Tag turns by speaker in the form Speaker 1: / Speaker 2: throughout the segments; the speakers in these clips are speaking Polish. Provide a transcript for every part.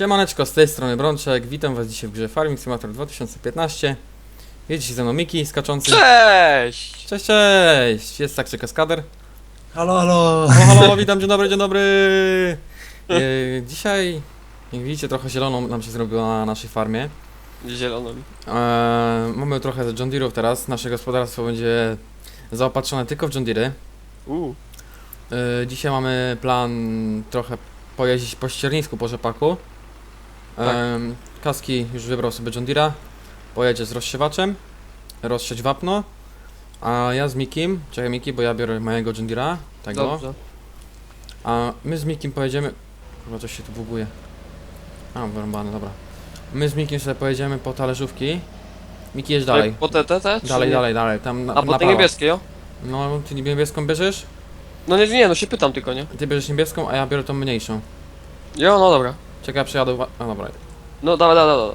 Speaker 1: Siemaneczko, z tej strony Brączek, witam was dzisiaj w grze Farming Simulator 2015. Jest dzisiaj ze mną Miki skaczący.
Speaker 2: Cześć!
Speaker 1: Cześć, cześć! Jest także kaskader.
Speaker 3: Halo, halo!
Speaker 1: O, halo, witam, dzień dobry, dzień dobry! Dzisiaj, jak widzicie, trochę zieloną nam się zrobiło na naszej farmie.
Speaker 2: Zieloną.
Speaker 1: Mamy trochę John Deere'ów teraz, nasze gospodarstwo będzie zaopatrzone tylko w John Deere'y. Dzisiaj mamy plan trochę pojeździć po ściernisku, po rzepaku.
Speaker 2: Tak.
Speaker 1: Kaski już wybrał sobie John Deere'a. Pojedzie z rozsiewaczem, rozsiać wapno. A ja z Mikim, czekaj Miki, bo ja biorę mojego John Deere'a, tego.
Speaker 2: Dobrze.
Speaker 1: A my z Mikim pojedziemy... Kurwa, coś się tu buguje. A, wyrąbane, dobra. My z Mikim sobie pojedziemy po talerzówki. Miki, jedź dalej.
Speaker 2: Po te?
Speaker 1: Dalej, dalej, tam na
Speaker 2: A po te
Speaker 1: prawo.
Speaker 2: niebieskie, jo?
Speaker 1: No, ty niebieską bierzesz?
Speaker 2: No nie, no się pytam tylko, nie?
Speaker 1: Ty bierzesz niebieską, a ja biorę tą mniejszą.
Speaker 2: Jo, no dobra.
Speaker 1: Czekaj, przejadę... A, dobra.
Speaker 2: No dawaj.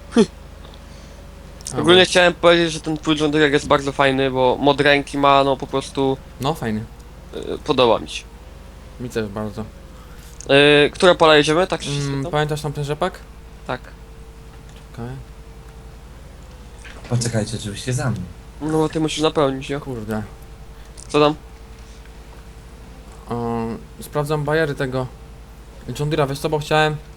Speaker 2: Ogólnie chciałem powiedzieć, że ten twój John Deere jest bardzo fajny, bo mod ręki ma, no po prostu
Speaker 1: No, fajny.
Speaker 2: podoba mi się.
Speaker 1: Mi też bardzo.
Speaker 2: Które pola jedziemy? Tak się spytam?
Speaker 1: Pamiętasz tam ten rzepak?
Speaker 2: Tak.
Speaker 1: Okej.
Speaker 3: Poczekajcie, oczywiście za mną.
Speaker 2: No bo ty musisz napełnić, jo?
Speaker 1: Kurde.
Speaker 2: Co tam?
Speaker 1: Sprawdzam bajery tego John Deere'a, wiesz co, bo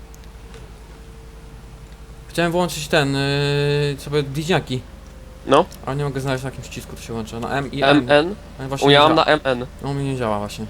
Speaker 1: chciałem włączyć ten, sobie bliźniaki.
Speaker 2: No?
Speaker 1: Ale nie mogę znaleźć na jakim przycisku to się łączy. Na M i N.
Speaker 2: MN?
Speaker 1: No, właśnie
Speaker 2: U ja
Speaker 1: nie
Speaker 2: mam
Speaker 1: działa.
Speaker 2: na MN.
Speaker 1: No, u mnie nie działa właśnie.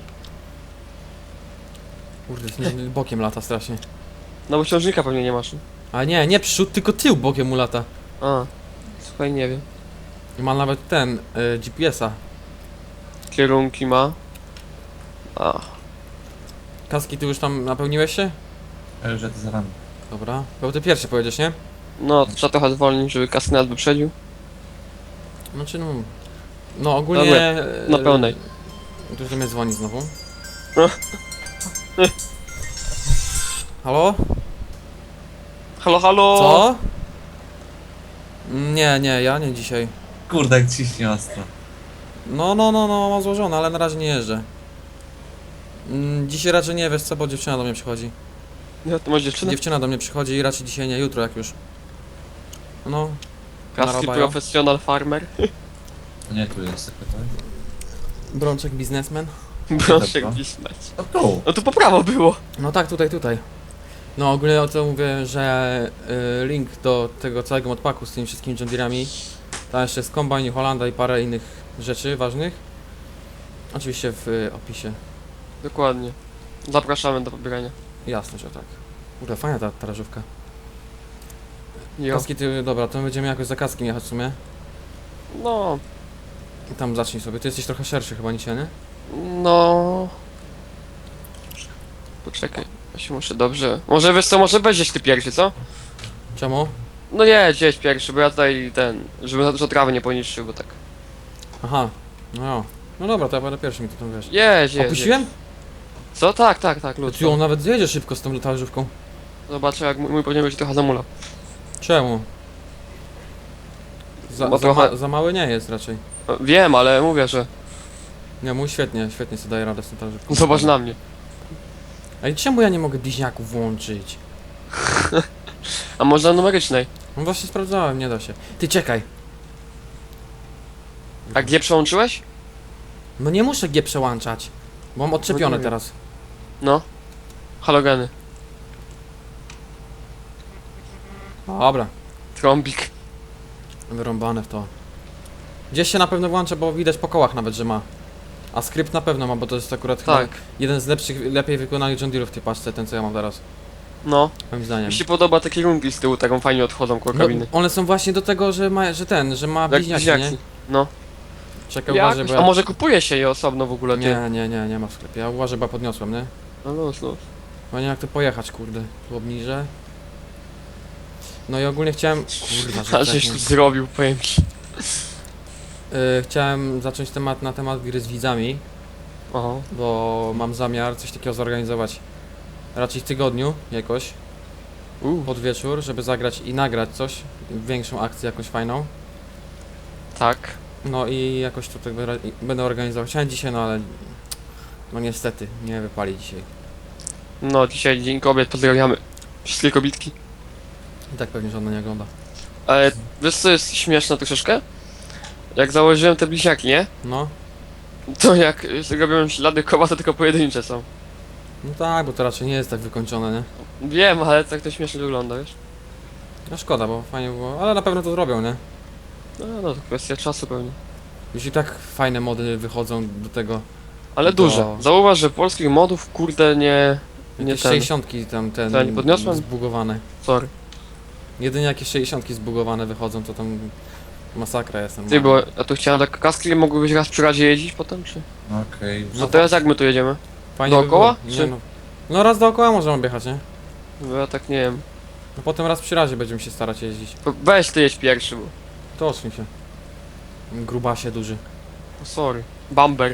Speaker 1: Kurde, bokiem lata strasznie.
Speaker 2: No bo ciążnika pewnie nie masz.
Speaker 1: Ale nie przód, tylko tył bokiem mu lata.
Speaker 2: A. Słuchaj, nie wiem.
Speaker 1: I ma nawet ten, GPS-a.
Speaker 2: Kierunki ma. A.
Speaker 1: Kaski, ty już tam napełniłeś się?
Speaker 3: Ale już to za wami.
Speaker 1: Dobra. Bo ty pierwszy pojedziesz, nie?
Speaker 2: No, trzeba trochę zwolnić, żeby kaskad wyprzedził.
Speaker 1: Znaczy no ogólnie...
Speaker 2: Dobra, na pełnej.
Speaker 1: Tu mnie dzwoni znowu.
Speaker 2: No.
Speaker 1: Halo?
Speaker 2: Halo?
Speaker 1: Co? Nie, ja nie dzisiaj.
Speaker 3: Kurde, jak ciśnie ostro.
Speaker 1: No, mam złożone, ale na razie nie jeżdżę. Dzisiaj raczej nie, wiesz co, bo dziewczyna do mnie przychodzi.
Speaker 2: Nie, to masz dziewczynę?
Speaker 1: Dziewczyna do mnie przychodzi i raczej dzisiaj nie, jutro jak już. No,
Speaker 2: Kaski
Speaker 1: narabają.
Speaker 2: professional farmer.
Speaker 3: To nie tu jest sekretarz.
Speaker 1: Brączek biznesmen.
Speaker 2: Proszę
Speaker 3: Dobra.
Speaker 2: pisać.
Speaker 3: O tu!
Speaker 2: No to po prawo było.
Speaker 1: No tak, tutaj. No ogólnie o co mówię, że link do tego całego modpacku z tymi wszystkimi John Deere'ami. Tam jeszcze jest Combine, New Hollanda i parę innych rzeczy ważnych. Oczywiście w opisie.
Speaker 2: Dokładnie. Zapraszamy do pobierania.
Speaker 1: Jasne, że tak. Kurde, fajna ta talerzówka.
Speaker 2: Jo.
Speaker 1: Kaski, ty, dobra, to będziemy jakoś za kaskiem jechać w sumie.
Speaker 2: No,
Speaker 1: I tam zacznij sobie, ty jesteś trochę szerszy chyba niż ja, nie?
Speaker 2: no. Poczekaj, ja się muszę dobrze. Może wiesz co, może będziesz ty pierwszy, co?
Speaker 1: Czemu?
Speaker 2: No jedź pierwszy, bo ja tutaj żeby za dużo trawy nie poniszczył, bo tak.
Speaker 1: Aha, no dobra, to ja będę pierwszy mi to tam wiesz.
Speaker 2: Jedź.
Speaker 1: Opuściłem?
Speaker 2: Co? Tak, lud.
Speaker 1: Ty on nawet zjedzie szybko z tą talerzówką.
Speaker 2: Zobaczę jak mój powinien być trochę zamulał.
Speaker 1: Czemu?
Speaker 2: Bo trochę-
Speaker 1: Za mały nie jest raczej.
Speaker 2: Wiem, ale mówię, że
Speaker 1: Nie, mój świetnie sobie daje radę z tą talerzówką.
Speaker 2: zobacz na mnie.
Speaker 1: Ej, czemu ja nie mogę bliźniaków włączyć?
Speaker 2: A można numerycznej.
Speaker 1: No właśnie sprawdzałem, nie da się. Ty czekaj.
Speaker 2: A gdzie przełączyłeś?
Speaker 1: No nie muszę G przełączać. Bo mam odczepione
Speaker 2: No nie wiem.
Speaker 1: teraz.
Speaker 2: No. Halogeny.
Speaker 1: Dobra,
Speaker 2: Trąbik.
Speaker 1: wyrąbane w to. Gdzieś się na pewno włącza, bo widać po kołach nawet, że ma. A skrypt na pewno ma, bo to jest akurat
Speaker 2: Tak.
Speaker 1: chyba jeden z lepszych, lepiej wykonanych John Deere'ów w tej paczce, ten co ja mam teraz.
Speaker 2: No.
Speaker 1: Moim zdaniem.
Speaker 2: Mi się podoba te kierunki z tyłu, taką fajnie odchodzą koło
Speaker 1: No,
Speaker 2: kabiny.
Speaker 1: one są właśnie do tego, że ma
Speaker 2: Jak
Speaker 1: bliźniaki, nie?
Speaker 2: bliźniaki. No.
Speaker 1: Czekaj, uważaj, bo
Speaker 2: A
Speaker 1: ja...
Speaker 2: może kupuje się je osobno w ogóle, ty?
Speaker 1: Nie ma w sklepie. Ja uważaj, bo ja podniosłem, nie?
Speaker 2: No.
Speaker 1: No nie jak to pojechać, kurde. Tu obniżę. No i ogólnie chciałem... Kurwa, że
Speaker 2: A żeś tu
Speaker 1: wcześniej.
Speaker 2: zrobił, powiem ci.
Speaker 1: Chciałem zacząć na temat gry z widzami,
Speaker 2: Oho.
Speaker 1: bo mam zamiar coś takiego zorganizować raczej w tygodniu jakoś, pod wieczór, żeby zagrać i nagrać coś, większą akcję jakąś fajną.
Speaker 2: Tak.
Speaker 1: No i jakoś tutaj będę organizował. Chciałem dzisiaj, no ale... No niestety, nie wypali dzisiaj.
Speaker 2: No, dzisiaj Dzień Kobiet, pozdrawiamy. Wszystkie kobitki.
Speaker 1: I tak pewnie żadna nie ogląda.
Speaker 2: Ale wiesz co jest śmieszne troszeczkę? Jak założyłem te bliźniaki, nie?
Speaker 1: No.
Speaker 2: To jak robiłem ślady koła, to tylko pojedyncze są.
Speaker 1: No tak, bo to raczej nie jest tak wykończone, nie?
Speaker 2: Wiem, ale tak to śmiesznie wygląda, wiesz?
Speaker 1: No szkoda, bo fajnie było, ale na pewno to zrobią, nie?
Speaker 2: No to kwestia czasu pewnie.
Speaker 1: Już i tak fajne mody wychodzą do tego.
Speaker 2: Ale
Speaker 1: To-
Speaker 2: duże. Zauważ, że polskich modów, kurde, nie
Speaker 1: Jakieś
Speaker 2: ten.
Speaker 1: 60 tam
Speaker 2: Co, nie podniosłem?
Speaker 1: zbugowane.
Speaker 2: Sorry.
Speaker 1: Jedynie jakieś 60 zbugowane wychodzą, to tam masakra jest
Speaker 2: Ty,
Speaker 1: normalnie.
Speaker 2: bo ja tu chciałem tak kaski mogły być raz przy razie jeździć potem, czy?
Speaker 3: Okej, już.
Speaker 2: No teraz jak my tu jedziemy?
Speaker 1: Fajnie
Speaker 2: dookoła,
Speaker 1: By było.
Speaker 2: czy-
Speaker 1: Nie, no raz dookoła możemy objechać, nie?
Speaker 2: Bo ja tak nie wiem.
Speaker 1: No potem raz przy razie będziemy się starać jeździć.
Speaker 2: Weź ty jedź pierwszy, bo...
Speaker 1: To odsuń się. Grubasie duży.
Speaker 2: O, sorry. Bamber.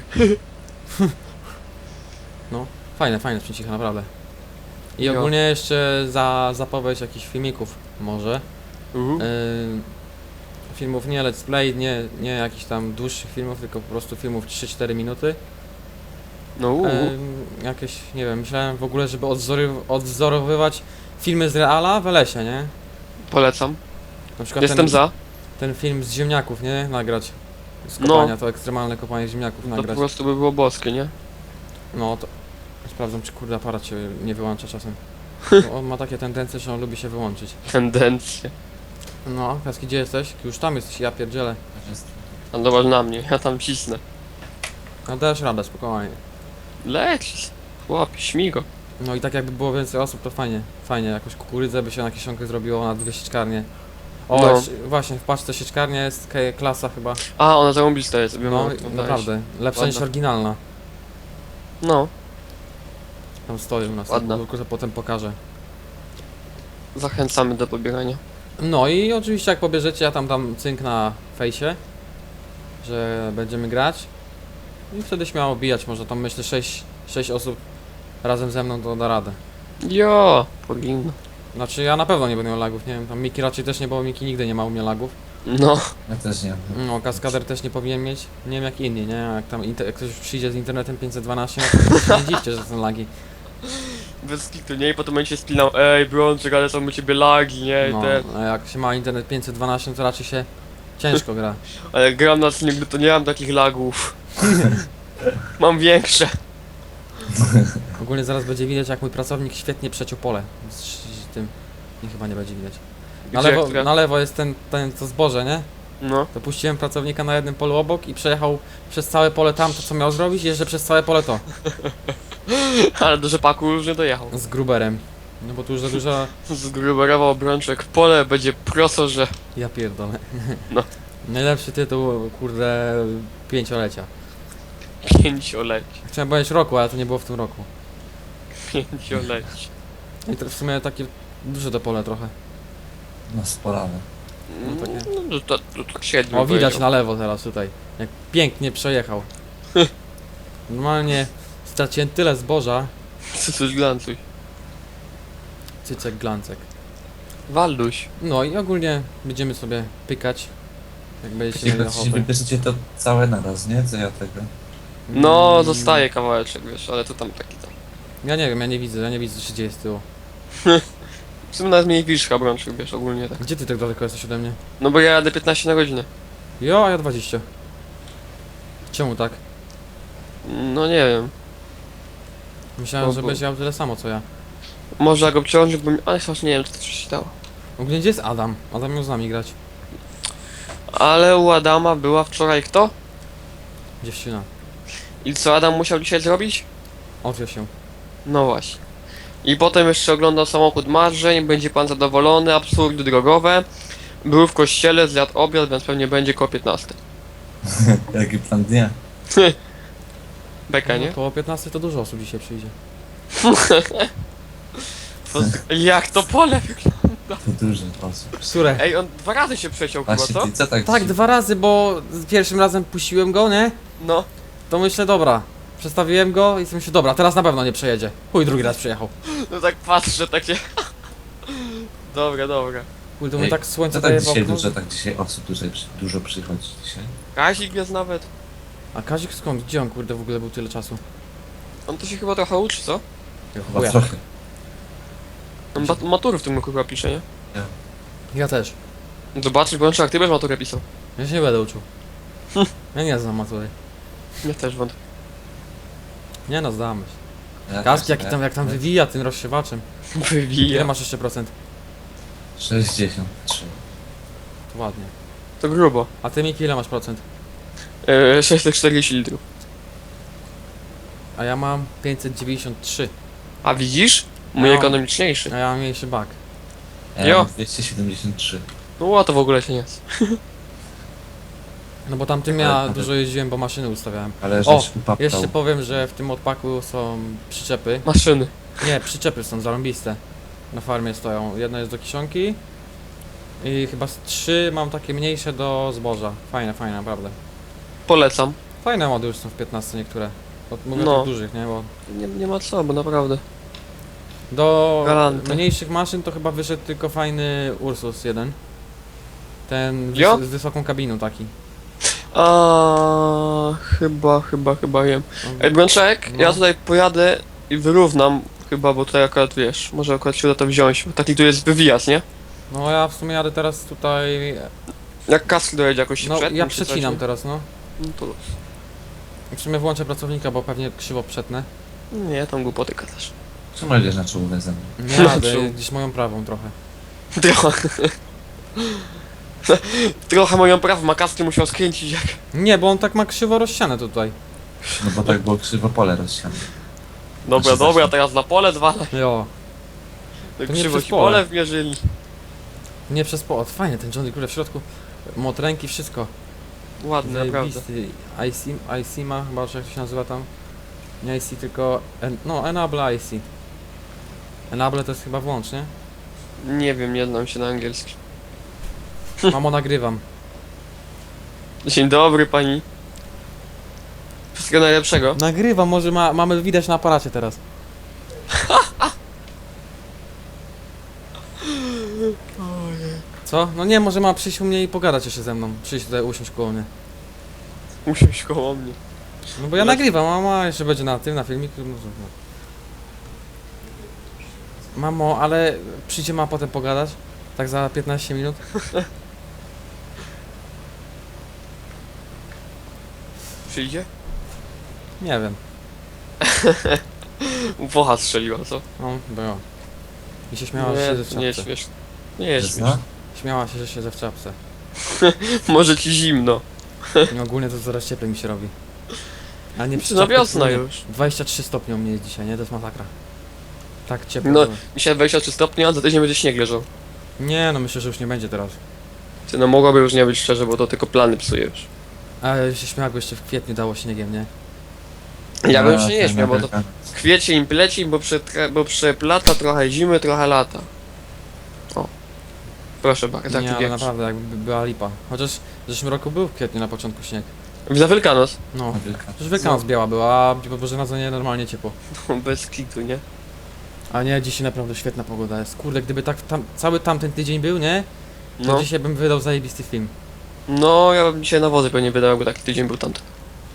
Speaker 1: Fajne sprzęcicha, naprawdę. I
Speaker 2: Jo.
Speaker 1: ogólnie jeszcze za zapowiedź jakichś filmików może. Filmów nie let's play, nie jakichś tam dłuższych filmów, tylko po prostu filmów 3-4 minuty.
Speaker 2: No
Speaker 1: Jakieś, nie wiem, myślałem w ogóle, żeby odwzorowywać filmy z reala w lesie, nie?
Speaker 2: polecam.
Speaker 1: Na przykład
Speaker 2: Jestem za.
Speaker 1: ten film z ziemniaków, nie? Nagrać. Z
Speaker 2: No.
Speaker 1: kopania, to ekstremalne kopanie ziemniaków
Speaker 2: To po
Speaker 1: nagrać.
Speaker 2: prostu by było boskie, nie?
Speaker 1: No to... Sprawdzam, czy kurde aparat się nie wyłącza czasem. Bo on ma takie tendencje, że on lubi się wyłączyć.
Speaker 2: Tendencje.
Speaker 1: No, Kaski, gdzie jesteś? Już tam jesteś, ja pierdzielę.
Speaker 2: A zobacz na mnie, ja tam cisnę.
Speaker 1: No dasz radę, spokojnie.
Speaker 2: Leć. Chłopie, śmigo.
Speaker 1: No i tak jakby było więcej osób, to fajnie. Fajnie, jakąś kukurydzę by się na kieszonkę zrobiło na 2 sieczkarnie. O,
Speaker 2: No.
Speaker 1: właśnie, w paczce sieczkarnia jest klasa chyba.
Speaker 2: A, ona zarąbista jest. Wiem,
Speaker 1: No,
Speaker 2: jak to
Speaker 1: naprawdę. Lepsza niż
Speaker 2: Ładna.
Speaker 1: oryginalna.
Speaker 2: No,
Speaker 1: Tam stoi u nas,
Speaker 2: Ładna.
Speaker 1: tylko to potem pokażę.
Speaker 2: zachęcamy do pobierania.
Speaker 1: No i oczywiście jak pobierzecie, ja tam dam cynk na fejsie, że będziemy grać. I wtedy śmiało bijać, może tam myślę 6 osób razem ze mną to da radę.
Speaker 2: Jo, powinno.
Speaker 1: Znaczy ja na pewno nie będę miał lagów, nie wiem, tam Miki raczej też nie, bo Miki nigdy nie ma u mnie lagów.
Speaker 2: No,
Speaker 3: Ja też nie.
Speaker 1: No, kaskader też nie powinien mieć, nie wiem jak inni, nie? Jak tam jak ktoś przyjdzie z internetem 512, no to nie dziwcie, że są lagi.
Speaker 2: bez kitu, nie? I potem będzie się spinał, ej, Brączek, ale są u ciebie lagi, nie? I
Speaker 1: No,
Speaker 2: te...
Speaker 1: a jak się ma internet 512, to raczej się ciężko gra.
Speaker 2: Ale gram na nigdy to nie mam takich lagów. Mam większe.
Speaker 1: Ogólnie zaraz będzie widać, jak mój pracownik świetnie przeciął pole. Z tym nie, chyba nie będzie widać.
Speaker 2: Gdzie,
Speaker 1: Na lewo jest ten to zboże, nie?
Speaker 2: No,
Speaker 1: To puściłem pracownika na jednym polu obok i przejechał przez całe pole tam, to co miał zrobić, jeżdżę przez całe pole to.
Speaker 2: ale do rzepaku już nie dojechał.
Speaker 1: Z gruberem. No bo tu już za dużo...
Speaker 2: Zgruberował Brączek, pole będzie proso, że...
Speaker 1: Ja pierdolę.
Speaker 2: No.
Speaker 1: Najlepszy tytuł, kurde, 5-lecia.
Speaker 2: 5-leć.
Speaker 1: Chciałem powiedzieć roku, ale to nie było w tym roku.
Speaker 2: 5-leć.
Speaker 1: I to w sumie takie duże to pole trochę.
Speaker 3: No spolawe.
Speaker 1: No takie-
Speaker 2: No to tak średnio
Speaker 1: O, widać
Speaker 2: powiedział.
Speaker 1: na lewo teraz tutaj. Jak pięknie przejechał. Normalnie straciłem tyle zboża.
Speaker 2: Coś glancuj.
Speaker 1: Cycek, glancek.
Speaker 2: Walduś.
Speaker 1: No i ogólnie będziemy sobie pykać. Jak będziecie mieli
Speaker 3: Jeśli się
Speaker 1: ochotę.
Speaker 3: wybierzecie to całe naraz, nie? Co ja tego?
Speaker 2: No,
Speaker 1: Mm,
Speaker 2: zostaje kawałeczek, wiesz, ale to tam taki tam.
Speaker 1: Ja nie wiem, ja nie widzę, co się dzieje z tyłu.
Speaker 2: W sumie nawet mniej wisz, Brączek, wiesz, ogólnie tak.
Speaker 1: Gdzie ty tak daleko jesteś ode mnie?
Speaker 2: No bo ja jadę 15 na godzinę.
Speaker 1: Jo, a ja 20. Czemu tak?
Speaker 2: No nie wiem.
Speaker 1: Myślałem,
Speaker 2: O,
Speaker 1: że
Speaker 2: bo-
Speaker 1: będziesz miał tyle samo co ja.
Speaker 2: Może jak obciążył, bo... Ale chociaż nie wiem, czy to coś się dało.
Speaker 1: Ogólnie gdzie jest Adam? Adam miał z nami grać.
Speaker 2: Ale u Adama była wczoraj kto?
Speaker 1: Dziewczyna.
Speaker 2: I co Adam musiał dzisiaj zrobić?
Speaker 1: Odwio się.
Speaker 2: No właśnie. I potem jeszcze oglądał samochód marzeń, będzie pan zadowolony, absurdy drogowe. Był w kościele, zjadł obiad, więc pewnie będzie koło 15.
Speaker 3: Jaki plan dnia?
Speaker 2: Beka,
Speaker 1: No,
Speaker 2: nie?
Speaker 1: koło 15 to dużo osób dzisiaj przyjdzie.
Speaker 2: Jak to pole wygląda?
Speaker 3: To dużo osób.
Speaker 1: Które?
Speaker 2: Ej, on 2 razy się przeciął chyba,
Speaker 3: Właśnie
Speaker 2: co?
Speaker 3: ty co tak
Speaker 1: Tak,
Speaker 3: ci-
Speaker 1: 2 razy, bo pierwszym razem puściłem go, nie?
Speaker 2: No.
Speaker 1: To myślę, dobra. Przestawiłem go i myślę, dobra, teraz na pewno nie przejedzie. Chuj, drugi raz przyjechał.
Speaker 2: No tak patrzę, takie... Dobra, dobra.
Speaker 1: Chuj, to mi
Speaker 3: Ej,
Speaker 1: tak słońce
Speaker 3: Co tak
Speaker 1: daje w
Speaker 3: dzisiaj
Speaker 1: okno.
Speaker 3: dużo, tak dzisiaj osób dużo przychodzi dzisiaj?
Speaker 2: Kazik jest nawet.
Speaker 1: A Kazik skąd? Gdzie on kurde w ogóle był tyle czasu?
Speaker 2: On to się chyba trochę uczy, co?
Speaker 3: Chyba
Speaker 1: Chuja.
Speaker 3: trochę.
Speaker 2: Matury w tym roku chyba pisze, nie?
Speaker 1: Ja też.
Speaker 2: Zobaczysz, bo jak ty będziesz maturę pisał.
Speaker 1: Ja się nie będę uczył. Ja nie znam matury.
Speaker 2: Ja też wątpię.
Speaker 1: Nie no, zdamy się.
Speaker 3: Ja
Speaker 1: Kaski,
Speaker 3: też,
Speaker 1: jak tam wywija tym rozsiewaczem. Ile
Speaker 2: Wywija.
Speaker 1: masz jeszcze procent?
Speaker 3: 63.
Speaker 1: To ładnie.
Speaker 2: To grubo.
Speaker 1: A ty, Miki, ile masz procent?
Speaker 2: 640 litrów.
Speaker 1: A ja mam 593.
Speaker 2: A widzisz? Mój
Speaker 1: Ja mam-
Speaker 2: ekonomiczniejszy.
Speaker 1: A ja mam mniejszy bak.
Speaker 3: Ja
Speaker 2: Jo.
Speaker 3: mam 273.
Speaker 2: No a to w ogóle się nie jest.
Speaker 1: No bo tamtym ja dużo jeździłem, bo maszyny ustawiałem.
Speaker 3: Ale
Speaker 1: O,
Speaker 3: żeś upaptał.
Speaker 1: Jeszcze powiem, że w tym odpaku są przyczepy.
Speaker 2: Maszyny.
Speaker 1: Nie, przyczepy są zarąbiste. Na farmie stoją. Jedno jest do kiszonki. I chyba z 3 mam takie mniejsze do zboża. Fajne, fajne, naprawdę.
Speaker 2: Polecam.
Speaker 1: Fajne mody już są w 15 niektóre. Mówię
Speaker 2: No.
Speaker 1: o tych dużych, nie? Bo
Speaker 2: Nie ma co, bo naprawdę.
Speaker 1: do
Speaker 2: Galante.
Speaker 1: mniejszych maszyn to chyba wyszedł tylko fajny Ursus 1. Ten
Speaker 2: Jo?
Speaker 1: z wysoką kabiną taki.
Speaker 2: A chyba wiem. Ej, Brączek,
Speaker 1: No.
Speaker 2: ja tutaj pojadę i wyrównam chyba, bo tutaj akurat wiesz, może akurat się uda to wziąć, bo taki tu jest wywijaz, nie?
Speaker 1: No ja w sumie jadę teraz tutaj.
Speaker 2: Jak kask dojedzie jakoś się
Speaker 1: No
Speaker 2: przetnie,
Speaker 1: ja
Speaker 2: czy coś,
Speaker 1: przecinam
Speaker 2: nie?
Speaker 1: teraz, no.
Speaker 2: No to luz.
Speaker 1: W sumie włączę pracownika, bo pewnie krzywo przetnę.
Speaker 2: Nie, tam głupoty gadasz.
Speaker 3: Czemu jedziesz na czołówę ze mną?
Speaker 1: Nie jadę,
Speaker 2: Czuł.
Speaker 1: gdzieś moją prawą trochę.
Speaker 2: Trochę. Trochę moją prawą, a kaski musiał skręcić jak...
Speaker 1: Nie, bo on tak ma krzywo rozsiane tutaj.
Speaker 3: No bo tak było krzywo pole rozsiane.
Speaker 2: Dobra,
Speaker 3: Znaczy,
Speaker 2: teraz na pole zwalaj.
Speaker 1: Jo. nie
Speaker 2: Krzywo
Speaker 1: przez
Speaker 2: ci
Speaker 1: pole.
Speaker 2: pole wmierzyli.
Speaker 1: Nie przez płot. Fajnie ten Johnny Kurde w środku. Motręki, wszystko.
Speaker 2: Ładne, naprawdę.
Speaker 1: Zajebisty. IC ma, chyba, czy jak to się nazywa tam. Nie IC, tylko... no, Enable IC. Enable to jest chyba włącz, nie?
Speaker 2: Nie wiem, nie znam się na angielski.
Speaker 1: Mamo, nagrywam.
Speaker 2: Dzień dobry pani. Wszystkiego najlepszego.
Speaker 1: Nagrywam, może mamy widać na aparacie teraz. Co? No nie, może ma przyjść u mnie i pogadać jeszcze ze mną. Przyjść tutaj, usiąść koło mnie.
Speaker 2: Usiąść koło mnie.
Speaker 1: No bo ja
Speaker 2: Ale-
Speaker 1: nagrywam, mama jeszcze będzie na tym, na filmiku. No. Mamo, ale przyjdzie ma potem pogadać? Tak za 15 minut?
Speaker 2: Przyjdzie?
Speaker 1: Nie wiem.
Speaker 2: Wocha strzeliła, co?
Speaker 1: No, było. I się śmiała, że siedzę w
Speaker 2: nie jest
Speaker 1: czapce.
Speaker 2: śmieszne. Nie jest
Speaker 3: Że
Speaker 2: śmieszne.
Speaker 1: Śmiała się, że siedzę w czapce.
Speaker 2: Może ci zimno.
Speaker 1: I ogólnie to coraz cieplej mi się robi. Ale nie
Speaker 2: Czy
Speaker 1: przy
Speaker 2: na
Speaker 1: czapce,
Speaker 2: wiosna
Speaker 1: tylko nie.
Speaker 2: już.
Speaker 1: 23 stopni u mnie jest dzisiaj, nie? To jest masakra. Tak ciepło.
Speaker 2: No.
Speaker 1: że-
Speaker 2: Dzisiaj 23 stopnie, a za tydzień będzie śnieg leżał.
Speaker 1: Nie, no myślę, że już nie będzie teraz.
Speaker 2: Ty, no mogłoby już nie być szczerze, bo to tylko plany psujesz.
Speaker 1: Ale się śmiał, jakby jeszcze w kwietniu dało śniegiem, nie?
Speaker 2: Ja bym
Speaker 3: A,
Speaker 2: się nie
Speaker 3: ten
Speaker 2: śmiał, bo to
Speaker 3: Amerykan-
Speaker 2: kwiecień pleci, bo przeplata trochę zimy, trochę lata. O. Proszę bardzo, taki
Speaker 1: nie, ale
Speaker 2: wiersz.
Speaker 1: naprawdę, jakby była lipa. Chociaż w zeszłym roku był w kwietniu na początku śnieg.
Speaker 2: Za Wielkanoc.
Speaker 1: No.
Speaker 3: Amerykan.
Speaker 1: Przecież Wielkanoc biała była, a Boże Narodzenie normalnie ciepło.
Speaker 2: Bez kitu, nie?
Speaker 1: A nie, dzisiaj naprawdę świetna pogoda jest. Kurde, gdyby tak cały tamten tydzień był, nie? To
Speaker 2: No.
Speaker 1: dzisiaj bym wydał zajebisty film.
Speaker 2: No, ja bym dzisiaj na wozy pewnie wydał, jakby taki tydzień był tamten.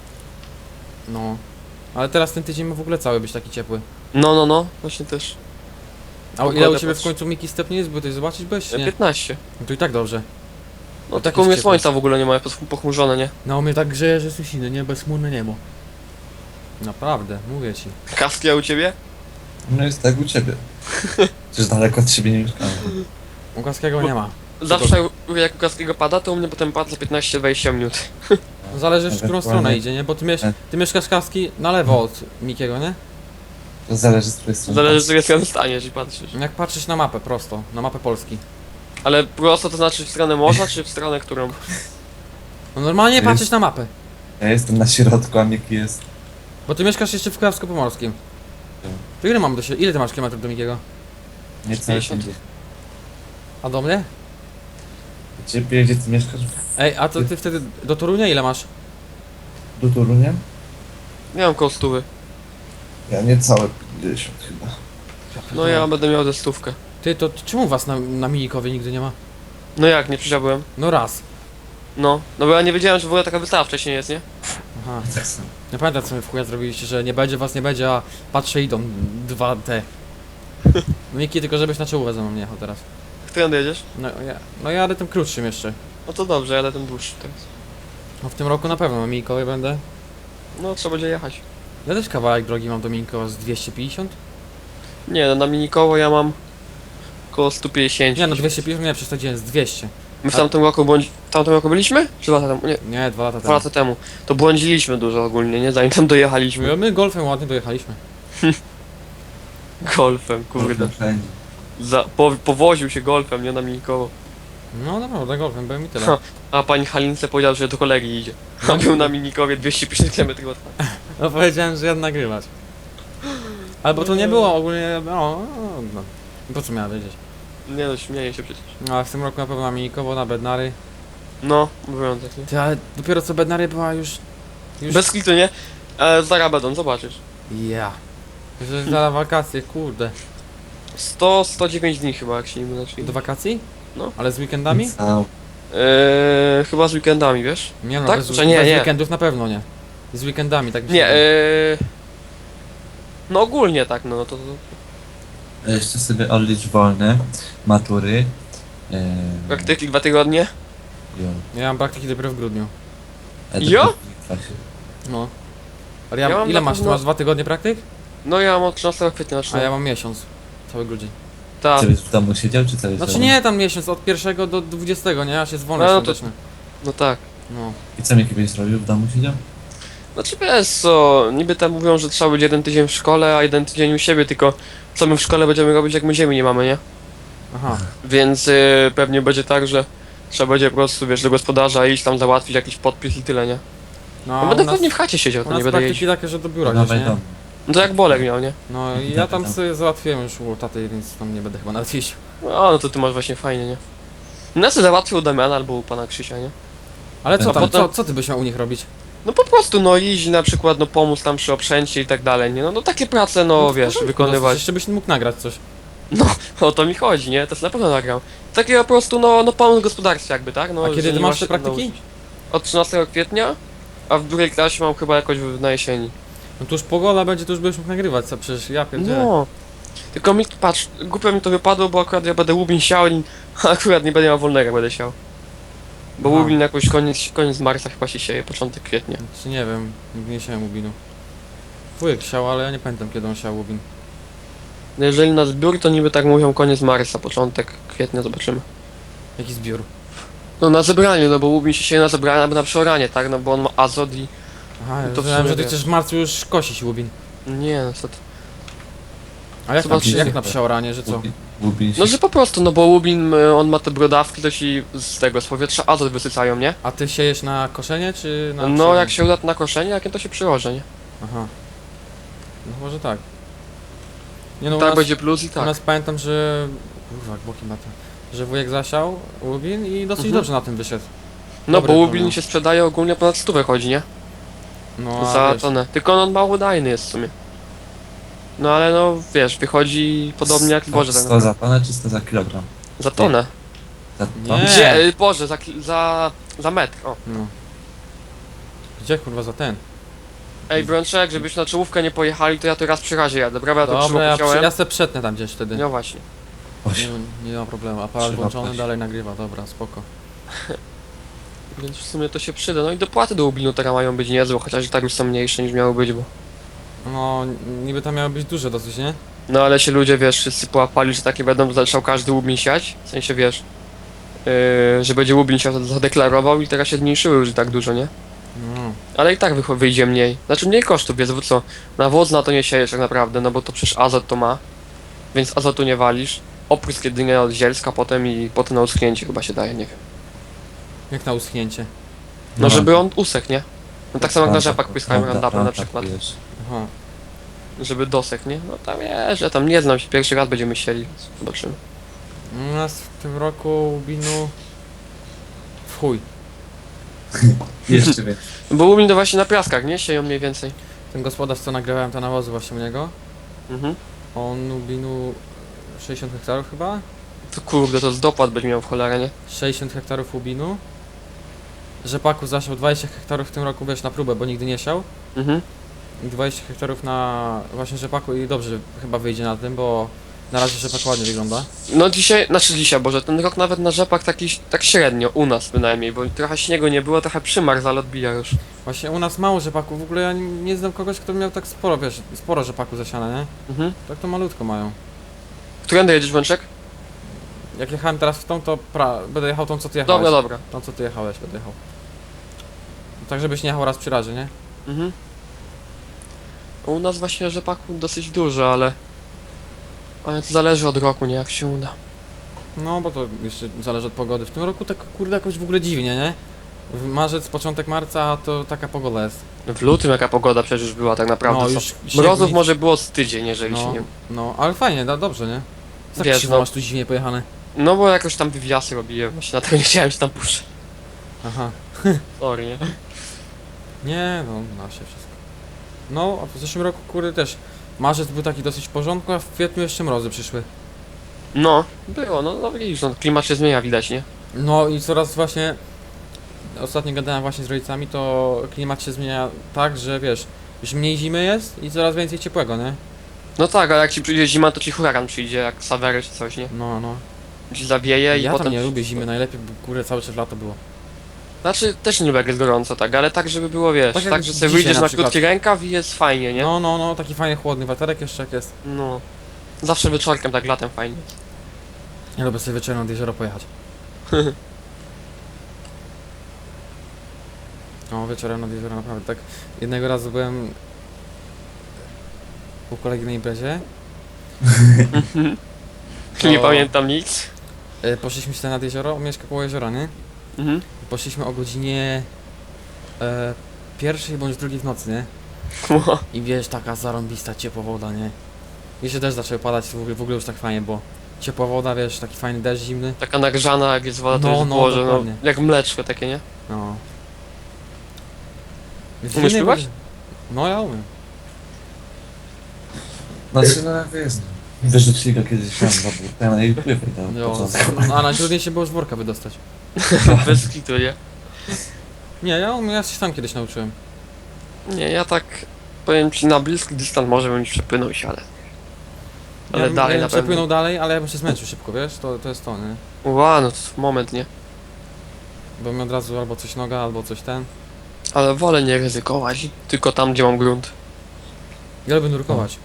Speaker 1: No. Ale teraz ten tydzień ma w ogóle cały być taki ciepły.
Speaker 2: No, właśnie też.
Speaker 1: A ile
Speaker 2: Pogoda
Speaker 1: u ciebie w
Speaker 2: patrz.
Speaker 1: końcu Miki stopni jest? Bo ty zobaczyć byś, nie?
Speaker 2: 15.
Speaker 1: No to i tak dobrze.
Speaker 2: No
Speaker 1: tak
Speaker 2: tak
Speaker 1: jest
Speaker 2: u mnie
Speaker 1: ciepło.
Speaker 2: słońca w ogóle nie ma, jest pochmurzone, nie?
Speaker 1: No u mnie tak grzeje, że susiny, nie? Bezchmurne niebo. Naprawdę, mówię ci.
Speaker 2: Kaski, a u ciebie?
Speaker 3: No jest tak u ciebie. Przecież daleko od siebie nie mieszkałem.
Speaker 1: U Kaskiego nie ma.
Speaker 2: Zawsze jak u Kaskiego pada, to u mnie potem pada za 15-20 minut.
Speaker 1: No zależy w którą
Speaker 3: Ewentualnie-
Speaker 1: stronę idzie, nie? Bo ty mieszkasz Kaski na lewo od Mikiego, nie?
Speaker 3: To zależy z której strony.
Speaker 2: Zależy z której strony staniesz i patrzysz.
Speaker 1: Jak patrzysz na mapę prosto, na mapę Polski.
Speaker 2: Ale prosto to znaczy w stronę morza, czy w stronę którą?
Speaker 1: No normalnie
Speaker 3: Jest-
Speaker 1: patrzysz na mapę.
Speaker 3: Ja jestem na środku, a Miki jest...
Speaker 1: Bo ty mieszkasz jeszcze w Kujawsko-Pomorskim. To ile mam do siebie? Ile ty masz kilometrów do Mikiego?
Speaker 3: Niecałe
Speaker 2: 50.
Speaker 3: 50.
Speaker 1: A do mnie?
Speaker 3: Ciebie, gdzie ty mieszkasz?
Speaker 1: Ej, a to ty wtedy do Torunia ile masz?
Speaker 3: Do Torunia?
Speaker 2: Nie mam koło stówy.
Speaker 3: Ja niecałe 50 chyba.
Speaker 2: No ja będę miał ze stówkę.
Speaker 1: Ty, to czemu was na Minikowie nigdy nie ma?
Speaker 2: No jak, nie przysiadłem?
Speaker 1: No raz.
Speaker 2: No bo ja nie wiedziałem, że w ogóle taka wystawa wcześniej jest, nie?
Speaker 1: Aha.
Speaker 3: Tak samo.
Speaker 1: Nie pamiętam co my w chuja zrobiliście, że nie będzie was, nie będzie, a patrzę idą dwa te. No Miki, tylko żebyś na czołówę ze mną nie jechał teraz.
Speaker 2: Którędy jedziesz?
Speaker 1: No jadę tym krótszym jeszcze.
Speaker 2: No to dobrze, jadę ten dłuższy teraz.
Speaker 1: No w tym roku na pewno na Mikołaj będę.
Speaker 2: No trzeba będzie jechać.
Speaker 1: Ja też kawałek drogi mam do Mikoła z 250?
Speaker 2: Nie, no na minikowo ja mam około 150.
Speaker 1: Nie, no 250 nie, przesadziłem, z 200.
Speaker 2: My w tamtym roku w tamtym roku byliśmy? Czy 2 lata temu? Nie,
Speaker 1: Nie, 2 lata
Speaker 2: 2
Speaker 1: temu.
Speaker 2: lata temu. To błądziliśmy dużo ogólnie, nie? Zanim tam dojechaliśmy.
Speaker 1: My golfem ładnie dojechaliśmy.
Speaker 2: Golfem, kurde.
Speaker 3: Wszędzie.
Speaker 2: Powoził się golfem, nie na minikowo.
Speaker 1: No naprawdę, golfem byłem i tyle.
Speaker 2: Ha. A pani Halince powiedział, że do kolegi idzie. A był na minikowie 250 km od.
Speaker 1: No powiedziałem, że jadę nagrywać. Albo to nie było ogólnie, no. Po co miała wiedzieć?
Speaker 2: Nie no, śmieję się przecież.
Speaker 1: No ale w tym roku na pewno na Minikowo, na Bednary.
Speaker 2: No, mówią tak, nie?
Speaker 1: Ty, ale dopiero co Bednary była już...
Speaker 2: Bez klitu, nie? Zaraz będą, zobaczysz.
Speaker 1: Ja. Że za wakacje, kurde.
Speaker 2: 109 dni chyba, jak się nie mylę. czyli-
Speaker 1: Do wakacji?
Speaker 2: No.
Speaker 1: Ale z weekendami?
Speaker 3: Cał.
Speaker 2: Chyba z weekendami, wiesz?
Speaker 1: Nie no,
Speaker 2: Tak?
Speaker 1: bez,
Speaker 2: Czy nie,
Speaker 1: bez
Speaker 2: nie.
Speaker 1: weekendów na pewno nie. Z weekendami, tak mi się
Speaker 2: Nie,
Speaker 1: wydaje.
Speaker 2: no ogólnie tak, no to...
Speaker 3: Jeszcze sobie odlicz wolne, matury.
Speaker 2: Praktyki 2 tygodnie?
Speaker 3: Jo.
Speaker 1: Ja mam praktyki dopiero w grudniu.
Speaker 2: Jo?
Speaker 1: No. Ale ja,
Speaker 2: Ja mam
Speaker 1: ile
Speaker 2: na
Speaker 1: masz? Ty
Speaker 2: pewno-
Speaker 1: masz 2 tygodnie praktyk?
Speaker 2: No ja mam od 13 kwietnia
Speaker 1: A
Speaker 2: zaczynam.
Speaker 1: ja mam miesiąc. Cały grudzień.
Speaker 2: Tak.
Speaker 3: Czy byś w domu siedział, czy co?
Speaker 1: Znaczy nie tam miesiąc, od 1 do 20, nie? Aż jest wolny
Speaker 2: No, no to-
Speaker 1: świąteczny.
Speaker 2: No tak.
Speaker 1: No.
Speaker 3: I co Miki byś zrobił? W domu siedział?
Speaker 2: Znaczy wiesz co, niby tam mówią, że trzeba być 1 tydzień w szkole, a 1 tydzień u siebie, tylko co my w szkole będziemy robić, jak my ziemi nie mamy, nie?
Speaker 1: Aha.
Speaker 2: Więc pewnie będzie tak, że trzeba będzie po prostu, wiesz, do gospodarza iść tam załatwić jakiś podpis i tyle, nie?
Speaker 1: No,
Speaker 2: No
Speaker 1: u
Speaker 2: będę
Speaker 1: nas,
Speaker 2: pewnie w chacie siedział,
Speaker 1: u
Speaker 2: to
Speaker 1: nas
Speaker 2: nie będę
Speaker 1: praktyki
Speaker 2: jeździł.
Speaker 1: takie, że do biura gdzieś,
Speaker 3: Dawaj
Speaker 1: nie?
Speaker 3: dom.
Speaker 2: No to jak Bolek miał, nie?
Speaker 1: No i ja tam sobie załatwiłem już u taty, więc tam nie będę chyba nawet jeździł.
Speaker 2: No to ty masz właśnie fajnie, nie? No sobie załatwił u Damiana albo u pana Krzysia, nie?
Speaker 1: Ale co
Speaker 3: A
Speaker 1: tam,
Speaker 2: potem-
Speaker 1: co ty byś miał u nich robić?
Speaker 2: No po prostu, no iść na przykład, no pomóc tam przy oprzęcie i tak dalej, nie? No takie prace, no
Speaker 1: to w
Speaker 2: wiesz,
Speaker 1: porządku,
Speaker 2: wykonywać.
Speaker 1: Jeszcze byś mógł nagrać coś.
Speaker 2: O to mi chodzi, nie? To jest na pewno nagrał. Takie po prostu, no pomóc gospodarstwie jakby, tak? No,
Speaker 1: A kiedy
Speaker 2: że
Speaker 1: ty
Speaker 2: nie
Speaker 1: masz te
Speaker 2: się
Speaker 1: praktyki?
Speaker 2: nauczyć. Od 13 kwietnia, a w drugiej klasie mam chyba jakoś na jesieni.
Speaker 1: No to już pogoda będzie, to już byś mógł nagrywać, co przecież ja pierdzielę.
Speaker 2: No. Tylko mi, patrz, głupio mi to wypadło, bo akurat ja będę łubin siał i akurat nie będę miał wolnego, jak będę siał. Bo
Speaker 1: Aha.
Speaker 2: łubin jakoś koniec marca chyba się sieje, początek kwietnia.
Speaker 1: Czy nie wiem, nigdy nie siałem łubinu. Wujek siał, ale ja nie pamiętam kiedy on siał łubin.
Speaker 2: No jeżeli na zbiór, to niby tak mówią koniec marca, początek kwietnia, zobaczymy.
Speaker 1: Jaki zbiór?
Speaker 2: No na zebraniu, no bo łubin się sieje na zebraniu albo na przeoranie, tak? No bo on ma azot i...
Speaker 1: Aha, ja
Speaker 2: To w
Speaker 1: myślałem,
Speaker 2: sumie
Speaker 1: że ty
Speaker 2: wiesz.
Speaker 1: chcesz w marcu już kosić łubin.
Speaker 2: Nie, no co ty.
Speaker 1: A jak,
Speaker 2: Zobaczymy.
Speaker 1: jak na przeoranie, że co?
Speaker 3: Łubin się.
Speaker 2: No że po prostu, no bo łubin, on ma te brodawki, to ci z tego, z powietrza azot wysycają, nie?
Speaker 1: A ty siejesz na koszenie, czy na
Speaker 2: No
Speaker 1: przeoranie?
Speaker 2: jak się uda to na koszenie, jakie to się przyłoży, nie?
Speaker 1: Aha. No może tak. Nie no, u
Speaker 2: Tak
Speaker 1: nas,
Speaker 2: będzie plus i
Speaker 1: u
Speaker 2: tak.
Speaker 1: nas pamiętam, że... Kurwa, jak boki ma to. Że wujek zasiał łubin i dosyć
Speaker 2: Mhm.
Speaker 1: dobrze na tym wyszedł.
Speaker 2: No
Speaker 1: Dobry
Speaker 2: bo
Speaker 1: to
Speaker 2: łubin
Speaker 1: miał.
Speaker 2: się sprzedaje ogólnie ponad 100 chodzi, nie?
Speaker 1: No, a
Speaker 2: Za
Speaker 1: wiesz,
Speaker 2: tonę. Tylko on mało dajny jest w sumie. No ale no wiesz, wychodzi podobnie jak Boże tak
Speaker 3: 100
Speaker 2: naprawdę.
Speaker 3: za tonę, czy 100 za kilogram?
Speaker 2: Za tonę.
Speaker 3: Za
Speaker 1: Nie.
Speaker 3: tonę?
Speaker 2: Gdzie? Boże, za metr. O.
Speaker 1: No. Gdzie kurwa za ten?
Speaker 2: Ej Brączek, żebyśmy na czołówkę nie pojechali, to ja tu raz przy razie jadę. Dobra, ja to krzywo
Speaker 1: Dobra,
Speaker 2: chciałem.
Speaker 1: ja se przetnę tam gdzieś wtedy.
Speaker 2: No właśnie.
Speaker 1: Nie ma problemu, aparat
Speaker 3: Trzeba
Speaker 1: włączony,
Speaker 3: paść.
Speaker 1: dalej nagrywa, dobra, spoko.
Speaker 2: Więc w sumie to się przyda. No i dopłaty do Łubinu teraz mają być niezłe, chociaż i tak już są mniejsze niż miały być, bo...
Speaker 1: No, niby tam miały być duże dosyć, nie?
Speaker 2: No ale się ludzie, wiesz, wszyscy połapali, że takie będą, zaczął każdy Łubin siać. W sensie, wiesz, że będzie Łubin się zadeklarował i teraz się zmniejszyły już i tak dużo, nie?
Speaker 1: No.
Speaker 2: Ale i tak wyjdzie mniej. Znaczy mniej kosztów, wiesz, bo co? Nawóz na to nie siejesz tak naprawdę, no bo to przecież azot to ma. Więc azotu nie walisz. Oprysk jedynie od zielska potem i potem na uschnięcie chyba się daje, nie wiem.
Speaker 1: Jak na uschnięcie.
Speaker 2: No żeby on usechł, nie? No tak samo jak na rzepak
Speaker 3: tak,
Speaker 2: pryskałem
Speaker 3: tak,
Speaker 2: randapem na
Speaker 3: tak,
Speaker 2: przykład.
Speaker 3: wiesz.
Speaker 1: Aha.
Speaker 2: Żeby dosechł, nie? No tam wiesz, ja tam nie znam się, pierwszy raz będziemy sieli, więc zobaczymy.
Speaker 1: U nas w tym roku łubinu... W chuj.
Speaker 3: Jeszcze więcej.
Speaker 2: Bo Łubin to właśnie na piaskach, nie? Sieją mniej więcej.
Speaker 1: Ten gospodarz, co nagrywałem te nawozy właśnie u niego,
Speaker 2: Mhm.
Speaker 1: on łubinu 60 hektarów chyba?
Speaker 2: To kurde, to z dopłat będzie miał w cholerę, nie?
Speaker 1: 60 hektarów łubinu. Rzepaku zasiał 20 hektarów w tym roku, wiesz, na próbę, bo nigdy nie siał.
Speaker 2: Mhm.
Speaker 1: I 20 hektarów na właśnie rzepaku i dobrze chyba wyjdzie na tym, bo Na razie rzepak ładnie wygląda.
Speaker 2: No dzisiaj, znaczy dzisiaj, Boże, ten rok nawet na rzepak taki, tak średnio, u nas bynajmniej, bo trochę śniegu nie było, trochę przymarzł, ale odbija już.
Speaker 1: Właśnie u nas mało rzepaku, w ogóle ja nie znam kogoś, kto miał tak sporo, wiesz, sporo rzepaku zasiane, nie?
Speaker 2: Mhm.
Speaker 1: Tak to malutko mają.
Speaker 2: Którędy jedziesz, Łączek?
Speaker 1: Jak jechałem teraz w tą, to będę jechał tą, co ty jechałeś.
Speaker 2: Dobra, dobra.
Speaker 1: Tą, co ty jechałeś, będę jechał. Tak, żebyś nie jechał raz przy razie, nie?
Speaker 2: Mhm. U nas właśnie rzepaku dosyć dużo, ale... Ale to zależy od roku, nie, jak się uda.
Speaker 1: No, bo to jeszcze zależy od pogody. W tym roku tak, kurde, jakoś w ogóle dziwnie, nie? W marzec, początek marca, to taka pogoda jest.
Speaker 2: W lutym jaka pogoda przecież była tak naprawdę.
Speaker 1: No,
Speaker 2: co?
Speaker 1: już śnieg
Speaker 2: Mrozów
Speaker 1: nic-
Speaker 2: może było z tydzień, jeżeli się
Speaker 1: No,
Speaker 2: nie...
Speaker 1: no, ale fajnie, dobrze, nie? Tak
Speaker 2: Wiesz,
Speaker 1: krzywo
Speaker 2: no.
Speaker 1: masz tu dziwnie pojechane.
Speaker 2: No bo jakoś tam wywiasy robiłem, właśnie dlatego nie chciałem się tam puszczać.
Speaker 1: Aha.
Speaker 2: Sorry, nie?
Speaker 1: Nie, no, da się wszystko. No, a w zeszłym roku, kurde, też marzec był taki dosyć w porządku, a w kwietniu jeszcze mrozy przyszły.
Speaker 2: No, było, no widzisz, no, klimat się zmienia, widać, nie?
Speaker 1: No i coraz właśnie... Ostatnio gadałem właśnie z rodzicami, to klimat się zmienia tak, że wiesz, już mniej zimy jest i coraz więcej ciepłego, nie?
Speaker 2: No tak, ale jak ci przyjdzie zima, to ci huragan przyjdzie, jak Sawery czy coś, nie?
Speaker 1: No, no.
Speaker 2: Ci zawieje i
Speaker 1: Ja
Speaker 2: potem...
Speaker 1: tam nie lubię zimy, najlepiej by, kurde, cały czas lato było.
Speaker 2: Znaczy, też nie lubię jak jest gorąco, tak, ale tak, żeby było, wiesz,
Speaker 1: Tak
Speaker 2: tak,
Speaker 1: jak
Speaker 2: że sobie
Speaker 1: dzisiaj
Speaker 2: wyjdziesz
Speaker 1: na
Speaker 2: na
Speaker 1: przykład.
Speaker 2: krótki rękaw i jest fajnie, nie?
Speaker 1: No, no, no, taki fajny, chłodny wiaterek jeszcze jak jest.
Speaker 2: No. Zawsze wieczorkiem, tak latem fajnie.
Speaker 1: Ja lubię sobie wieczorem nad jezioro pojechać. No, wieczorem nad jezioro naprawdę tak. Jednego razu byłem u kolegi na imprezie.
Speaker 2: Nie
Speaker 1: To-
Speaker 2: pamiętam nic.
Speaker 1: Poszliśmy się nad jezioro, on mieszka koło jeziora, nie?
Speaker 2: Mhm.
Speaker 1: Poszliśmy o godzinie pierwszej bądź drugiej w nocy, nie? I wiesz, taka zarąbista ciepła woda, nie? Jeszcze deszcz zaczął padać, w ogóle już tak fajnie, bo ciepła woda, wiesz, taki fajny deszcz zimny.
Speaker 2: Taka nagrzana, jak jest woda, to
Speaker 1: No,
Speaker 2: jest
Speaker 1: no,
Speaker 2: Boże, no,
Speaker 1: dokładnie.
Speaker 2: jak mleczko takie, nie?
Speaker 1: No. W
Speaker 2: Umiesz
Speaker 1: innej
Speaker 2: pływać?
Speaker 1: wodzie- No ja umiem.
Speaker 3: Znaczy, no wiesz, wyrzecznika kiedyś miałem za burtę, ale i pływaj tam
Speaker 1: Jo,
Speaker 3: początku.
Speaker 1: a najtrudniejsze było z worka wydostać.
Speaker 2: Bez kitu, nie?
Speaker 1: Nie, ja umiem, ja się sam kiedyś nauczyłem.
Speaker 2: Nie, ja tak, powiem ci, na bliski dystans może bym przepłynął się, ale
Speaker 1: Ja
Speaker 2: dalej
Speaker 1: bym
Speaker 2: na pewno.
Speaker 1: przepłynął dalej, ale ja bym się zmęczył szybko, wiesz? To jest to, nie?
Speaker 2: Ła, no to moment, nie?
Speaker 1: Bo mi od razu albo coś noga, albo coś ten.
Speaker 2: Ale wolę nie ryzykować, tylko tam, gdzie mam grunt.
Speaker 1: Ja lubię nurkować.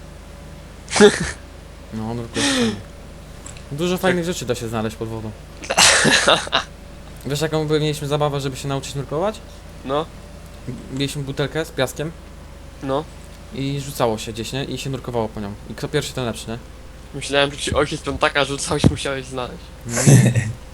Speaker 1: No, nurkuję. Dużo fajnych rzeczy da się znaleźć pod wodą. Wiesz jaką mieliśmy zabawę, żeby się nauczyć nurkować?
Speaker 2: No,
Speaker 1: Mieliśmy butelkę z piaskiem
Speaker 2: no.
Speaker 1: i rzucało się gdzieś, nie? I się nurkowało po nią. I kto pierwszy, ten lepszy, nie?
Speaker 2: Myślałem, że ci ojciec piątaka rzucał i musiałeś znaleźć.
Speaker 1: No nie.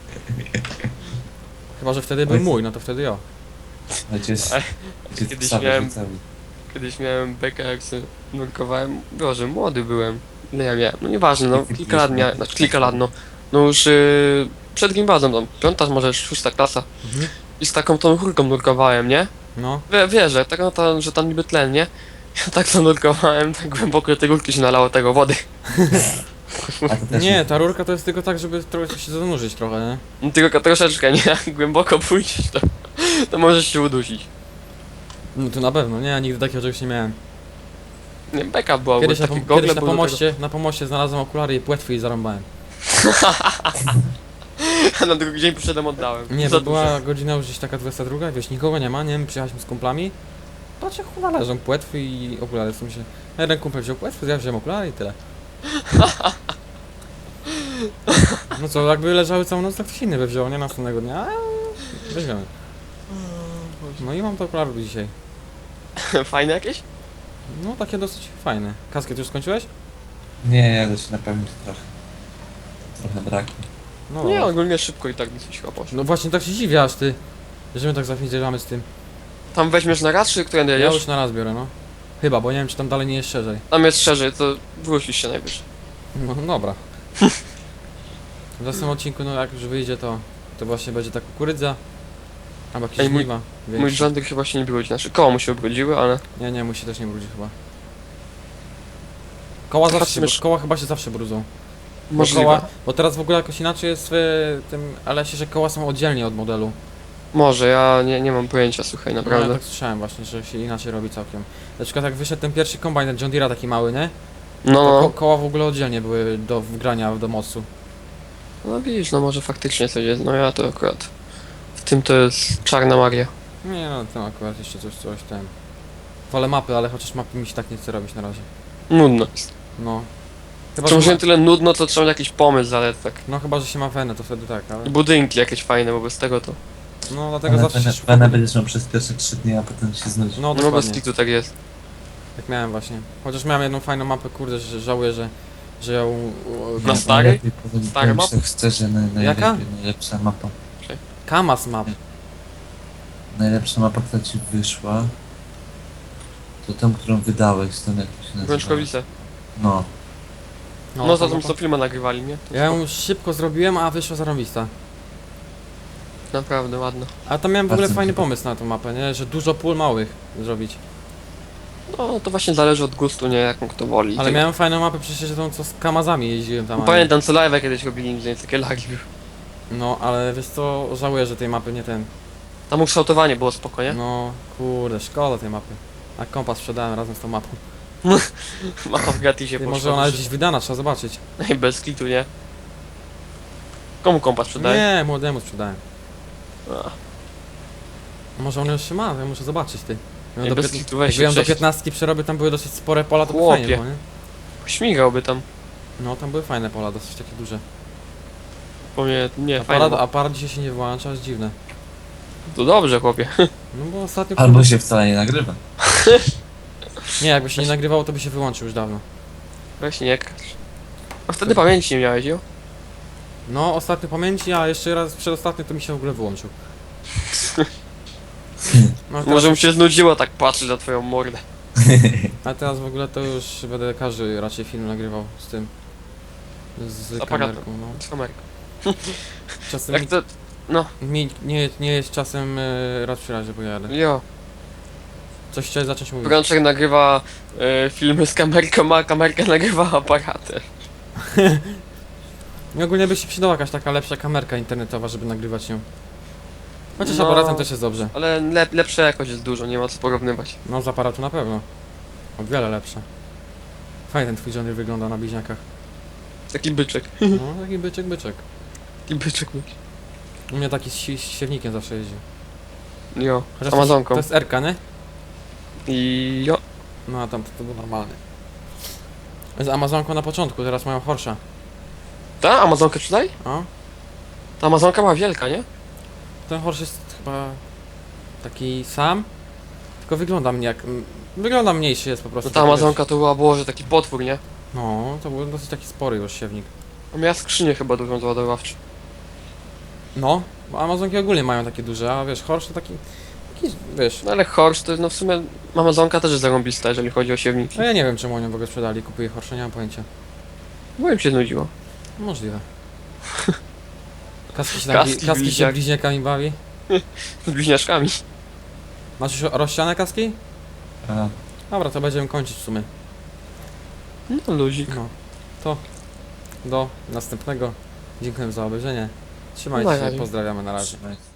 Speaker 1: Chyba, że wtedy był
Speaker 3: Ojciec.
Speaker 1: mój, no to wtedy ja.
Speaker 3: Ojciec,
Speaker 2: Ale
Speaker 3: ojciec
Speaker 2: kiedyś
Speaker 3: psa
Speaker 2: miałem-
Speaker 3: wyrzucał.
Speaker 2: Kiedyś miałem bekę, jak sobie nurkowałem. Boże, młody byłem. Ile ja miałem? No nieważne, no kilka lat miałem, znaczy kilka lat, no. No już przed gimnazją, tam, piąta, może szósta klasa.
Speaker 1: Mhm.
Speaker 2: I z taką tą chórką nurkowałem, nie?
Speaker 1: No.
Speaker 2: Wiesz, że, tak, no, że tam niby tlen, nie? Ja tak to nurkowałem, tak głęboko tej górki się nalało tego wody.
Speaker 3: A to też
Speaker 1: Nie, ta rurka to jest tylko tak, żeby trochę się zanurzyć trochę, nie?
Speaker 2: No, tylko troszeczkę, nie? Jak głęboko pójdziesz, to możesz się udusić.
Speaker 1: No to na pewno, nie, ja nigdy takiego czegoś nie miałem.
Speaker 2: Nie, beka była,
Speaker 1: Kiedyś
Speaker 2: bo
Speaker 1: na,
Speaker 2: takie
Speaker 1: kiedyś
Speaker 2: gogle
Speaker 1: na
Speaker 2: były do
Speaker 1: pomoście, na pomoście znalazłem okulary i płetwy i zarąbałem.
Speaker 2: tego. Na drugi dzień poszedłem, oddałem.
Speaker 1: Nie,
Speaker 2: Za
Speaker 1: bo była godzina już gdzieś taka 22, wiesz, nikogo nie ma, nie wiem, przyjechaliśmy z kumplami. Patrzę, chyba leżą płetwy i okulary, w sensie. Jeden kumpel wziął płetwy, ja wziąłem okulary i tyle. No co, jakby leżały całą noc, to ktoś inny by wziął, nie? Następnego dnia, weźmiemy. No i mam te okulary do dzisiaj.
Speaker 2: dużo. Fajne jakieś?
Speaker 1: No, takie dosyć fajne. Kasket już skończyłeś?
Speaker 3: Nie, ja już napełnić trochę. Trochę braknie.
Speaker 1: No,
Speaker 2: Nie, ogólnie szybko i tak dosyć chyba poszło.
Speaker 1: no właśnie tak się dziwię aż ty, że my tak zapierdzielamy z tym.
Speaker 2: Tam weźmiesz na raz, czy którędy
Speaker 1: Ja
Speaker 2: jedziesz?
Speaker 1: już na raz biorę, no. Chyba, bo nie wiem, czy tam dalej nie jest szerzej.
Speaker 2: Tam jest szerzej, to wrócisz się najwyżej.
Speaker 1: No dobra. W następnym odcinku, no jak już wyjdzie, to właśnie będzie ta kukurydza. Albo jakieś
Speaker 2: Ej, mój-
Speaker 1: żniwa.
Speaker 2: Mój
Speaker 1: większe.
Speaker 2: rządek chyba się nie brudzi, znaczy koło mu się ubrudziły, ale...
Speaker 1: Nie, mój się też nie brudzi chyba. Koła zawsze się,
Speaker 2: Patrzmy-
Speaker 1: koła chyba się zawsze brudzą. Bo
Speaker 2: Możliwe.
Speaker 1: koła, bo teraz w ogóle jakoś inaczej jest w tym LS-ie, że koła są oddzielnie od modelu.
Speaker 2: Może, ja nie mam pojęcia, słuchaj,
Speaker 1: No, ja
Speaker 2: naprawdę.
Speaker 1: tak słyszałem właśnie, że się inaczej robi całkiem. Na przykład jak wyszedł ten pierwszy kombajn John Deere'a taki mały, nie?
Speaker 2: No,
Speaker 1: To
Speaker 2: no.
Speaker 1: koła w ogóle oddzielnie były do wgrania do mostu.
Speaker 2: No widzisz, no może faktycznie coś jest. No ja to akurat. W tym to jest czarna magia.
Speaker 1: Nie no, tam akurat jeszcze coś ten. Wolę mapy, ale chociaż mapy mi się tak nie chce robić na razie.
Speaker 2: Nudno jest.
Speaker 1: No. Chyba,
Speaker 2: Czy
Speaker 1: że
Speaker 2: może
Speaker 1: ma...
Speaker 2: tyle nudno, to trzeba mieć jakiś pomysł, ale tak.
Speaker 1: No chyba, że się ma wenę, to wtedy tak, ale...
Speaker 2: I budynki jakieś fajne, bo bez tego to.
Speaker 1: No dlatego zawsze się
Speaker 3: Pana będziesz miał przez pierwsze 3 dni, a potem się znudzi.
Speaker 1: No
Speaker 2: No bez
Speaker 1: dokładnie,
Speaker 2: kitu tak jest.
Speaker 1: tak miałem właśnie. Chociaż miałem jedną fajną mapę, kurde, że żałuję, że ją...
Speaker 2: Na stary?
Speaker 3: Najlepiej
Speaker 2: Stary map?
Speaker 3: tak szczerze,
Speaker 1: Jaka?
Speaker 3: najlepsza mapa.
Speaker 1: Kamas map.
Speaker 3: Najlepsza mapa, która ci wyszła, to tą, którą wydałeś, tą jak to się nazywa.
Speaker 2: Brączkowice.
Speaker 3: No.
Speaker 2: No za
Speaker 1: ta
Speaker 2: tą
Speaker 1: mapa.
Speaker 2: co filmę nagrywali, nie? To
Speaker 1: Ja ją szybko zrobiłem, a wyszła zarąbista.
Speaker 2: naprawdę ładno.
Speaker 1: A tam miałem w ogóle
Speaker 3: Bardzo mi
Speaker 1: fajny
Speaker 3: się podoba.
Speaker 1: pomysł na tą mapę, nie? Że dużo pól małych zrobić.
Speaker 2: No to właśnie zależy od gustu, nie? Jaką kto woli.
Speaker 1: Ale miałem fajną mapę przecież tą, co z kamazami jeździłem tam. a nie-
Speaker 2: Pamiętam co live kiedyś robili, więc takie lagi były.
Speaker 1: No, ale wiesz co, żałuję, że tej mapy nie ten.
Speaker 2: Tam ukształtowanie było spoko, nie?
Speaker 1: No, kurde, szkoda tej mapy. A kompas sprzedałem razem z tą mapą.
Speaker 2: Mapa w gratisie
Speaker 1: Ty,
Speaker 2: poszła.
Speaker 1: może ona jest gdzieś wydana, trzeba zobaczyć.
Speaker 2: Ej, bez kitu, nie? Komu kompas sprzedaje?
Speaker 1: Nie, młodemu sprzedałem.
Speaker 2: A,
Speaker 1: Może on już się ma, ja muszę zobaczyć ty. Jak
Speaker 2: Ej,
Speaker 1: ją do,
Speaker 2: bez
Speaker 1: pięt-
Speaker 2: kitu, weź
Speaker 1: jak ją do
Speaker 2: cześć.
Speaker 1: 15 przerobię, tam były dosyć spore pola, to by
Speaker 2: Chłopie.
Speaker 1: fajnie było, nie?
Speaker 2: Śmigałby tam.
Speaker 1: No, tam były fajne pola, dosyć takie duże.
Speaker 2: Po mnie, nie, fajnie.
Speaker 1: Aparat dzisiaj się nie włącza, jest dziwne.
Speaker 2: To dobrze, chłopie.
Speaker 1: No bo ostatnio...
Speaker 3: Albo się wcale nie nagrywa.
Speaker 1: Nie, jakby się nie nagrywało, to by się wyłączył już dawno.
Speaker 2: Weź nie kracz. A wtedy pamięci nie miałeś, jo?
Speaker 1: No, ostatnio pamięci, a jeszcze raz przedostatnio to mi się w ogóle wyłączył. No, teraz,
Speaker 2: Może mu się znudziło tak patrzeć na twoją mordę.
Speaker 1: a teraz w ogóle to już będę każdy raczej film nagrywał z tym. Z
Speaker 2: aparatem.
Speaker 1: kamerką, no.
Speaker 2: Z kamerką.
Speaker 1: Czasem
Speaker 2: Jak to... No,
Speaker 1: nie jest czasem raz przy razie, bo jadę.
Speaker 2: jo.
Speaker 1: Coś chciałeś zacząć mówić.
Speaker 2: Brączek nagrywa filmy z kamerką, a kamerka nagrywa aparatem.
Speaker 1: I ogólnie by się przydała jakaś taka lepsza kamerka internetowa, żeby nagrywać ją. Chociaż
Speaker 2: No.
Speaker 1: aparatem też jest dobrze.
Speaker 2: Ale lepsza jakość jest dużo, nie ma co porównywać.
Speaker 1: No z aparatu na pewno. O wiele lepsza. Fajnie ten twój Johnny wygląda na bliźniakach.
Speaker 2: Taki byczek.
Speaker 1: No taki byczek.
Speaker 2: Taki byczek.
Speaker 1: U mnie taki z siewnikiem zawsze jeździł.
Speaker 2: Jo, z
Speaker 1: Chociaż
Speaker 2: Amazonką.
Speaker 1: To jest Erka, nie?
Speaker 2: I jo.
Speaker 1: No a tam to był normalny. Z Amazonką na początku, teraz mają Horsza.
Speaker 2: Ta Amazonkę sprzedaj?
Speaker 1: O,
Speaker 2: Ta Amazonka była wielka, nie?
Speaker 1: ten Horsz jest chyba taki sam, tylko wygląda mnie jak... Wygląda mniejszy jest po prostu.
Speaker 2: No ta
Speaker 1: taki,
Speaker 2: Amazonka to była, Boże, taki potwór, nie?
Speaker 1: wiesz, no, to był dosyć taki spory już siewnik.
Speaker 2: A miała skrzynię chyba dużą załadowawczą.
Speaker 1: No, bo Amazonki ogólnie mają takie duże, a wiesz, Horsz to taki wiesz...
Speaker 2: No ale Horsz to jest, no w sumie Amazonka też jest zarąbista, jeżeli chodzi o siewniki.
Speaker 1: No ja nie wiem czemu oni w ogóle sprzedali, kupuję Horsza, nie mam pojęcia.
Speaker 2: Bo im się znudziło.
Speaker 1: Możliwe. Kaski się,
Speaker 2: Kaski
Speaker 1: kaski się
Speaker 2: bliźniak.
Speaker 1: bliźniakami bawi.
Speaker 2: Z bliźniaczkami.
Speaker 1: Masz już rozsiane kaski?
Speaker 3: A,
Speaker 1: Dobra, to będziemy kończyć w sumie.
Speaker 2: No luzik.
Speaker 1: No, to do następnego. Dziękuję za obejrzenie. Trzymajcie
Speaker 2: Na
Speaker 1: się,
Speaker 2: razie.
Speaker 1: pozdrawiamy, na razie.
Speaker 3: trzymaj.